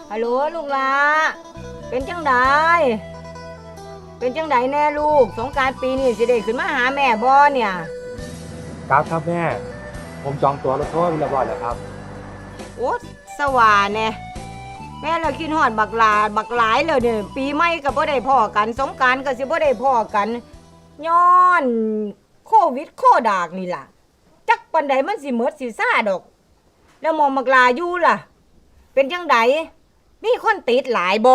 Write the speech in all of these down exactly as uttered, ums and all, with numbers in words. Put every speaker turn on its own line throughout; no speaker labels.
ฮัลโหลลูกหลาเป็นจังไดเป็นจังไดแน่ลูกสงกรานต์ปีนี้สิได้ขึ้นมาหาแม่บ่เนี่ย
ครับครับแม่ผมจองตั๋วรถทัวร์เรียบร้อยแล้วครับ
โอ้สว่าแน่แม่เราคิดฮอดบักหลาบักหลายเลยเนี่ยปีใหม่ก็บ่ได้พ้อกันสงกรานต์ก็สิบ่ได้พ้อกันย้อนโควิดโคดากนี่ล่ะจักปานใดมันสิหมดสิซ่าดอกแล้วหมอบักหลาอยู่ล่ะเป็นจังไดมีคนติดหลายบ่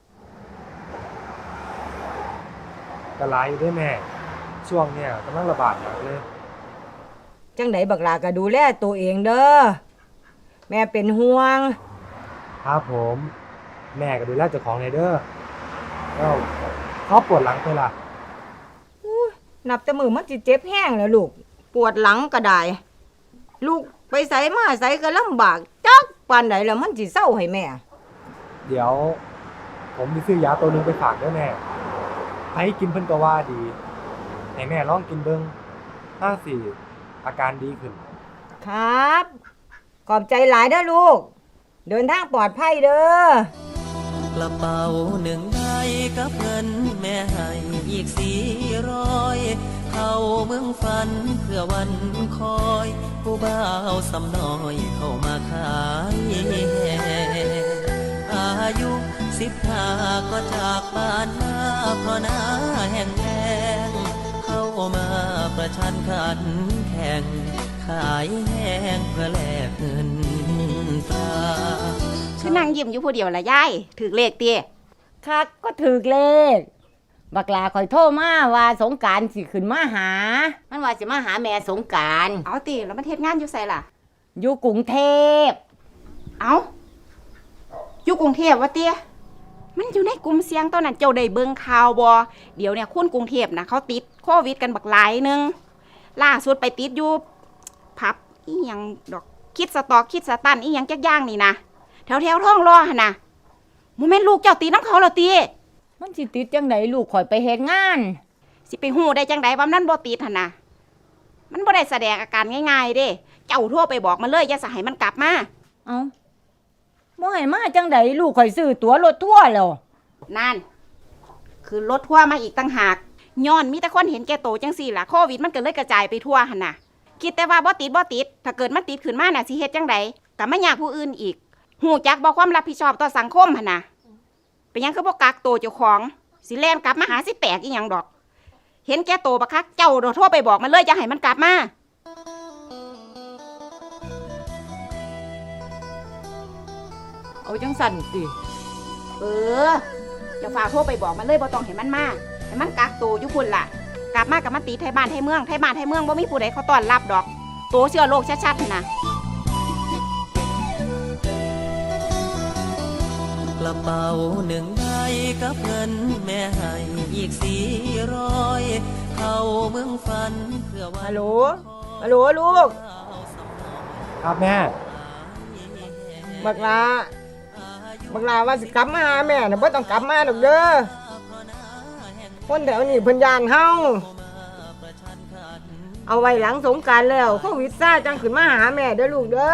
กระไรอยู่ด้วยแม่ช่วงเนี่ยกำลังระบาดหนักเลย
จังไดบักหลาก็ดูแลตัวเองเด้อแม่เป็นห่วง
ครับผมแม่ก็ดูแลเจ้าของเลยเด้อแล้วเขาปวดหลังไปล่ะ
นับแต่มือมันสิเจ็บแห้งแล้วลูกปวดหลังก็ได้ลูกไปไสมาไสก็ลำบากจักปานใดแล้วมันสิเศร้าให้แม่
เดี๋ยวผมจะซื้อยาตัวนึงไปฝากด้วยแม่ให้กินเพิ่นก็ว่าดีให้แม่ลองกินเบิ่งถ้าสิอาการดีขึ้น
ครับขอบใจหลายเด้อลูกเดินทางปลอดภัยเด้อก
ระเป๋าหนึ่งใบกับเงินแม่ให้อีกสี่ร้อยเข้าเมืองฝันเพื่อวันคอยผู้บ่าวสำน้อยเข้ามาขายอายุสิบห้าก็จากบ้านมาเพราะหน้าแห้งแล้งเข้ามาประชันขันแข่งขายแห้งเพื่อแลกเงินตรา
คือนั่งยิ้มอยู่ผู้เดียวละยายถือเลขเตี้ย
คักก็ถือเลขบักลาคอยโทรมาว่าสงกรานต์สิขึ้นมาหามันว่าสิมาหาแม่สงกรานต์
เอาติแล้วมันเฮ็ดงานอยู่ไสล่ะ
อยู่กรุงเทพ
เอาอยู่กรุงเทพวะเตี้ยมันอยู่ในกลุ่มเสี่ยงตอนนั้นเจ้าได้เบิ่งข่าวบ่เดี๋ยวเนี่ยคนกรุงเทพนะเขาติดโควิดกันบักหลายนึงล่าสุดไปติดอยู่ผับอีหยังดอกคิดสตอกคิดสตันอีหยังจักอย่างนี่นะแถวแถวท้องรอหั่นน่ะโมเมนต์ลูกเจ้าตีน้ำเขาเหรอตี
มันสิติดจังไดลูกข่อยไปเฮ็ดงาน
สิไปฮู้ได้จังไดว่ามันบ่ติดหั่นน่ะมันบ่ได้แสดงอาการง่ายๆเด้เจ้าโทรไปบอกมันเลยอย่าสิให้มันกลับมา
เอ้าบ่ให้มาจังไดลูกข่อยซื้อตั๋วรถทัวร์แล้ว
นั่นคือรถทัวร์มาอีกต่างหากย้อนมีแต่คนเห็นแก่โตจังซี่ล่ะโควิดมันก็เลยกระจายไปทั่วหั่นน่ะคิดแต่ว่าบ่ติดบ่ติดถ้าเกิดมันติดขึ้นมาน่ะสิเฮ็ดจังไดก็มายากผู้อื่นอีกหูจักบ่ความรับผิดชอบต่อสังคมหั่นน่ะเป็นหยังคือบ่กักโตเจ้าของสิแล่นกลับมาหาสิแตกอีหยังดอกเห็นแก่โตบักคักเจ้าโทรไปบอกมันเลยอย่าให้มันกลับมา
เอาจังสั่นสิ
เออเจ้าฝากโทรไปบอกมันเลยบ่ต้องให้มันมาให้มันกักโตอยู่พุ่นล่ะกลับมากับมันตีไทยบ้านไทยเมืองไทยบ้านไทยเมืองบ่มีผู้ใดเขาต้อนรับดอกโตเชื้อโรคชัดๆน่ะ
กระเป๋าหนึ่งใบกับเงินแม่ให้อีกสี่ร้อยเข้าเมืองฝันเพื่อวัน
ฮัลโหลฮัลโหลลูก
ครับแม่
บักลาบักลาว่าสิกลับมาหาแม่น่ะบ่ต้องกลับมาดอกเด้อคนแถวนี้เพิ่นย่านเฮาเอาไว้หลังสงกรานต์แล้วโควิดซ่าจังขึ้นมาหาแม่เด้อลูกเด้อ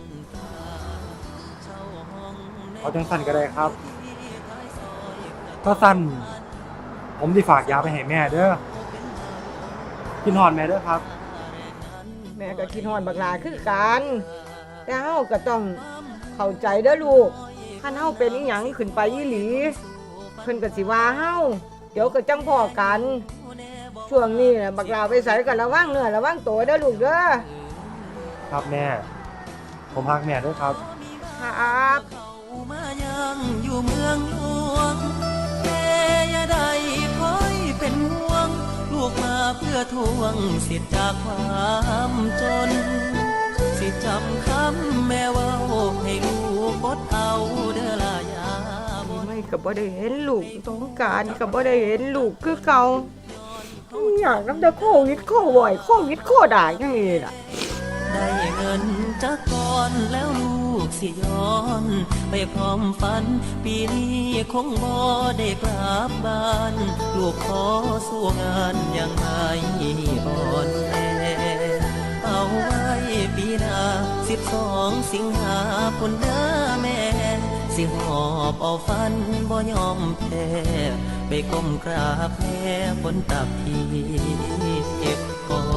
เอาจังสั้นก็ได้ครับถ้าสั้นผมที่ฝากยาไปให้แม่เด้อกินหอนแม่เด้อครับ
แม่ก็กินหอนบักลาคือกันแต่เฮาก็ต้องเข้าใจเด้อลูกคันเฮาเป็นอีหยังขึ้นไปอีหลีเพิ่นก็สิว่าเฮาเดี๋ยวก็จังพ้อกันช่วงนี้น่ะบักลาไปไสก็ระวังเนื้อระวังตัวเด้อลูกเด้อ
ครับแม่ผมรักแม่ด้วยครับ
ครับ
มายังอยู่เมืองหลวงแม่อย่าได้คอยเป็นห่วงลูกมาเพื่อทวงสิทธิ์จากความจนสิจำคำแม่ว่าให้ลูกกดเอาเด้อลายา
ไม่ก็บ่ได้เห็นลูกสงกรานต์ก็บ่ได้เห็นลูกคือเก่าอยากนำแต่โควิดโควิดโควิดโคด่าจังนี้ล่ะ
ได้เงินจากก่อนแล้วลูกสิย้อนไปพร้อมฝันปีนี้คงบ่ได้กลับบ้านลูกขอสู้งานยังไม่อ่อนแอเอาไว้ปีหน้าสิบสองสิงหาคมเด้อแม่สิสิหอบเอาฟันบ่ยอมแพ้ไปก้มกราบแม่บนตักที่เก็บกอย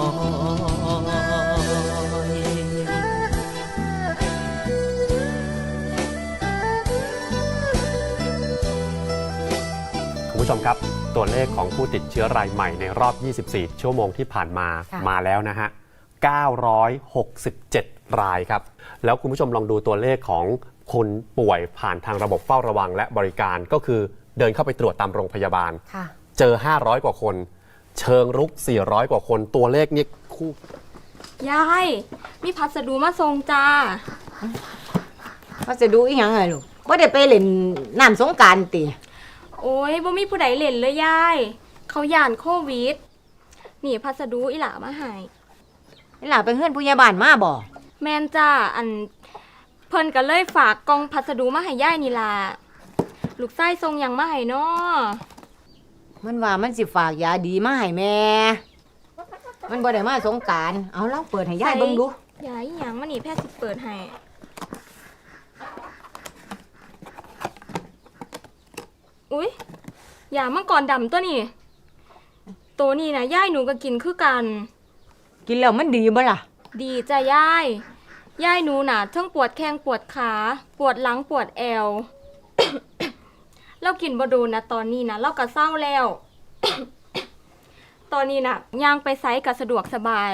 คุณผู้ชมครับตัวเลขของผู้ติดเชื้อรายใหม่ในรอบ ยี่สิบสี่ ชั่วโมงที่ผ่านมา
ค่ะ
มาแล้วนะฮะ เก้าร้อยหกสิบเจ็ด รายครับ แล้วคุณผู้ชมลองดูตัวเลขของคนป่วยผ่านทางระบบเฝ้าระวังและบริการก็คือเดินเข้าไปตรวจตามโรงพยาบาล
ค่ะ
เจอ ห้าร้อย กว่าคน เชิงรุก สี่ร้อย กว่าคน ตัวเลขนี้คู่
ยายมีพัสดุมาส่งจ้า
ว่าจะดูอีหยังไงลูกว่าได้ไปเล่นน้ำสงกรานต์ติ
โอ้ยบ่มีผู้ใดเล่นเลยยายเขาย่านโควิดนี่พัสดุอีหล่ามาให้
นี่ล่ะไปเฮือนผู้ใหญ่บ้านมาบ่
แม่นจ้าอันเพิ่นก็เลยฝากกล่องพัสดุมาให้ยายนี่ล่ะลูกไส้ส่งหยังมาให้น้อ
มันว่ามันสิฝากยาดีมาให้แม่ มันบ่ได้มาสงกรานต์เอาลองเปิดให้ยายเบิ่งดู
ยายอีหยังมานี่แพทย์สิเปิดให้อุ๊ยยามังกรดำตัวนี้ตัวนี้นะยายหนูก็กินคือกัน
กินแล้วมันดีบ่ล่ะ
ดีจ้ะยาย ยายหนูน่ะทั้งปวดแข้งปวดขา ปวดหลังปวดแอว เรากินบ่โดนนะตอนนี้นะเราก็เศร้าแล้ว ตอนนี้น่ะย่างไปไสก็สะดวกสบาย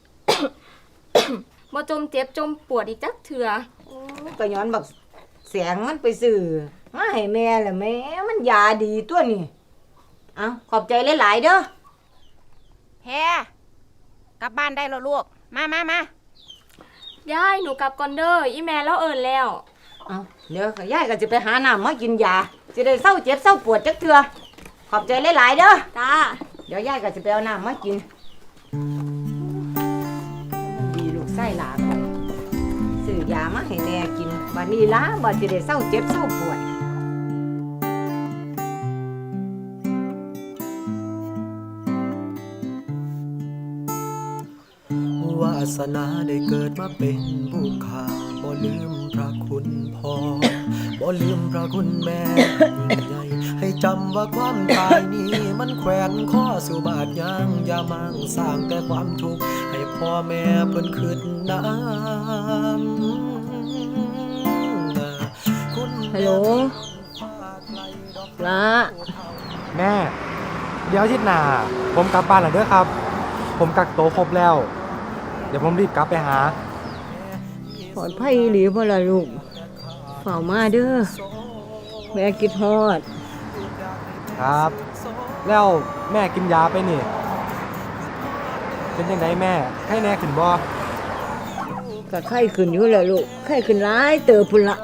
บ่จมเจ็บจมปวดอีกจักเถื่อ
ก็ย้อนบักแสงมันไปซื้อมาให้แม่แหละแม่มันยาดีตัวนี้เอาขอบใจหลายๆเด้อ
แฮ่กลับบ้านได้แล้วลูก มามามา
ยายหนูกลับก่อนเด้ออีแม่แล้วเอิ้นแล้ว
เอาเดี๋ยวก็ยายก็จะไปหาน้ำมากินยาจะได้เศร้าเจ็บเศร้าปวดจักเทื่อขอบใจหลายๆเด้อ
จ้า
เดี๋ยวยายก็จะไปเอาน้ำมากินดีลูกไส้หลานค่ะซื้อยามาให้แม่กินวันนี้ล้าบ่จะได้เศร้าเจ็บเศร้าปวด
วาสนาได้เกิดมาเป็นผู้ข้าบ่ลืมพระคุณพ่อบ่ลืมพระคุณแม่ยิ่งใหญ่ให้จำว่าความตายนี้มันแขวนข้อสู่บาดยางอย่ามั่งสร้างแต่ความทุกข์ให้พ่อแม่เพิ่นคิดน้ำคุณ
ฮัลโหลละ
แม่ เดี๋ยวอาทิตย์หน้าผมกลับบ้านแล้วเด้อครับ ผมกักโตวครบแล้ว เดี๋ยวผมรีบกลับไปหา
ปลอดภัยหรือบ่ล่ะลูกเฝ้ามาเด้อแม่คิดฮอด
ครับ แล้วแม่กินยาไปนี่ เป็นยังไงแม่ไข้แน่ขึ้นบ่
ก็ไข้ขึ้นอยู่แหละลูกไข้ขึ้นหลายเติบพุ่นละ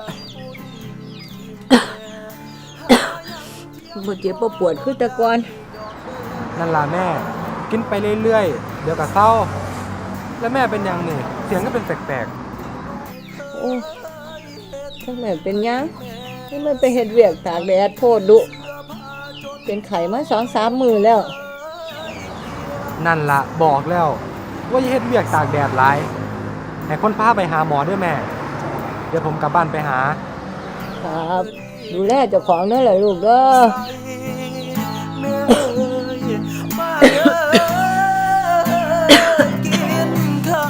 บ่เจ็บบ่ปวดคือแต่ก่อน
นั่นล่ะแม่ กินไปเรื่อยๆ เดี๋ยวก็เศร้า แล้วแม่เป็นยังนี่เสียงก็เป็นแปลก
โอ้ถ้าแม่เป็นหยังนี่มันไปเฮ็ดเวียกตากแดดโพดดุเป็นไข้มา สองสาม มื้อแล้ว
ๆ นั่นล่ะบอกแล้ว ว่าอย่าเฮ็ดเวียกตากแดดหลายให้คนพาไปหาหมอเด้อแม่ เดี๋ยวผมกลับบ้านไปหา
ครับ ดูแลเจ้าของเด้อล่ะลูกเด้อ
แม่เอ้ยมาเด้อกินข้าว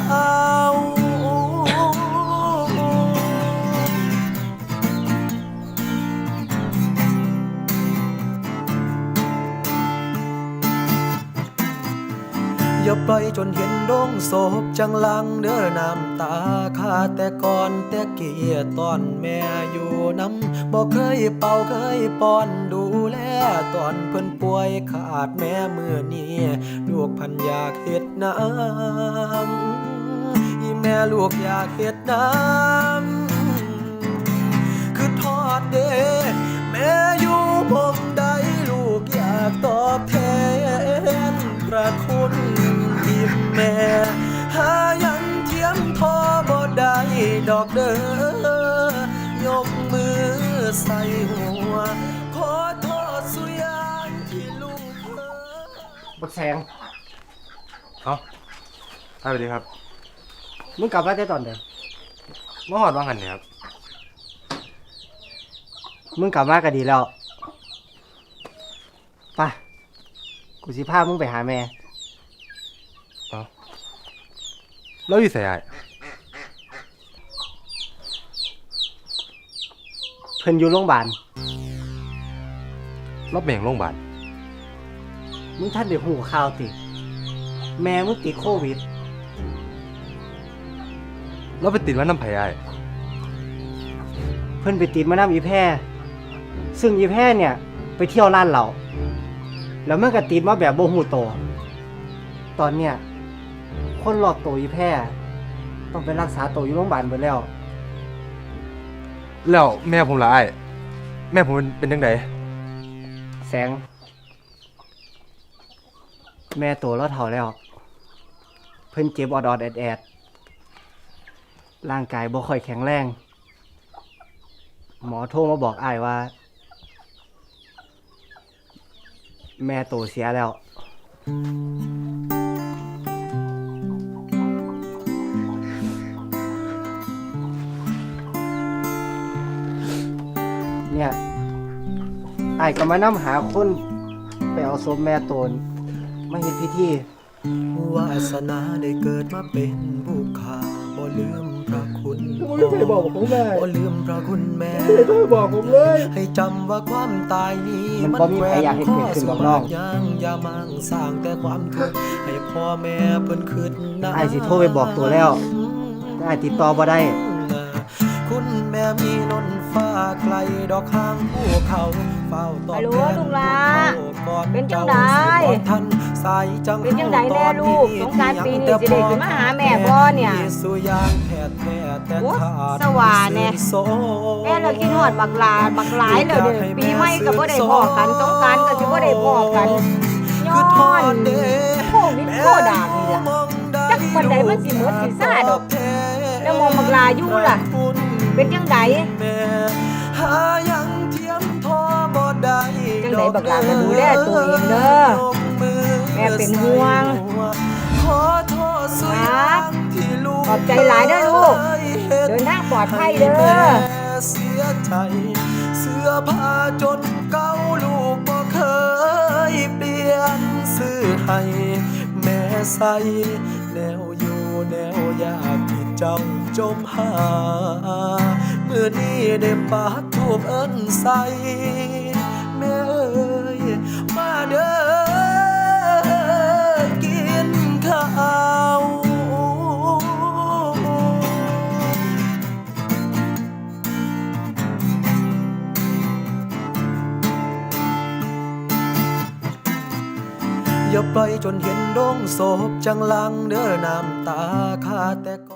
อย่าปล่อยจนเห็นดงศพจังลังเด้อน้ำตาขาดแต่ก่อนแต่เกียตอนแม่อยู่น้ำบอกเคยเป่าเคยป้อนดูแลตอนเพิ่นป่วยขาดแม่มือนี้ลูกพันอยากเฮ็ดน้ำอีแม่ลูกอยากเฮ็ดน้ำคือทอดเด้แม่อยู่มุมใดลูกอยากตอบแทนพระคุณที่แม่หายันเทียมทอบ่ได้ดอกเด้อยกมือใส่หัวขอโทษสุยานที่ลูกเธอ
บักแสงเอาสวัสดีครับ มึงกลับมาได้ตอนเดียวมาหอดว่างหันเนี่ยครับ
มึงกลับมาก็ดีแล้วไปกูสิพามึงไปหาแม่
แล้วอยู่ไสอ้าย
เพิ่นอยู่โรงพยาบาล
รับแม่งโรงพยาบาล
มึงท่านได้หูข่าวติ แม่มึงติดโควิด
แล้วไปติดว่านำไผอ้าย
เพิ่นไปติดมานำอีแพรซึ่งอีแพรเนี่ย ไปเที่ยวร้านเหล้าแล้วมันก็ติดมาแบบบ่ฮู้โตวตอนเนี้ยคนรอบตัวอีแพรต้องไปรักษาตัวอยู่โรงพยาบาลเบิดแล้ว
แล้วแม่ผมล่ะอ้ายแม่ผมเป็นเป็นจังได
แสง แม่ตัวเราเฒ่าแล้ว เพิ่นเจ็บออดๆแอดๆร่างกายบ่ค่อยแข็งแรง หมอโทรมาบอกอ้ายว่า แม่โตเสียแล้ว เนี่ยอ้ายก็มานำหาคนไปเอาศพแม่โตนมาเฮ็ดพิธี
วาสนาได้เกิดมาเป็นบุคคาบ่ลืมพระคุณ
ผมไม่เคยบอกผมแม่
บ่ลืมพระคุณแม่
ไม่เคยบอกผมเลย
ให้จำว่าความตายนี้
มันบ่มีใครอยากให้เกิดขึ้นหรอกน้อง
ยังอย่ามั่งสร้างแต่ความทุกข์ให้พ่อแม่เพิ่นคิดนะ
อ้ายสิโทรไปบอกตัวแล้ว แต่อ้ายติดต่อบ่ได้
คุณแม่มีนนฟ้าไกลดอกข้างภูเขาเฝ้าตอบ
ฮัลโหล
แทน
ลูกหลา
ก่อน
เป็นจังใด
เจ้าสิบ่ทันสายจัง
เป็นจังไดแน่ลูกสงกรานต์ปีนี้สิได้ขึ้นมาหาแม่บ่เนี่ย
สุยางแผดแผดแต่
โอ้
ขาด
สว่าแน่
โซ
แม่เราคิดฮอดบักหลาบักหลายแล้วเด้อปีใหม่ก็บ่ได้พ้อกันสงกรานต์ก็สิบ่ได้พ้อกันย้อนโควิดโคดานี่ล่ะ จักบันไดมันสิหมดสิซ่าดอก แล้วมองบักหลาอยู่ล่ะ เป็นจังได
แม่หายังเทียมทอบ่ได้
จังใดบักหลาก็ดูแลตัวเองเด้อแม่เป็นห่วง
ขอโทษสุยางที่ลูก
ขอบใจหลายเด้อลูก เดินทางปลอดภัยเด้อ
แม่เสียใจ เสื้อผ้าจนเก่าลูกบ่เคยเปลี่ยนซื้อให้แม่ใส่แนวอยู่แนวยากที่เจ้าจมหาเมื่อนี้ได้ปากทูบเอิ้นใส่แม่เอ้ยมาเด้อกินข้าว อย่าปล่อยจนเห็นดงศพจังลังเด้อน้ำตาคาแต่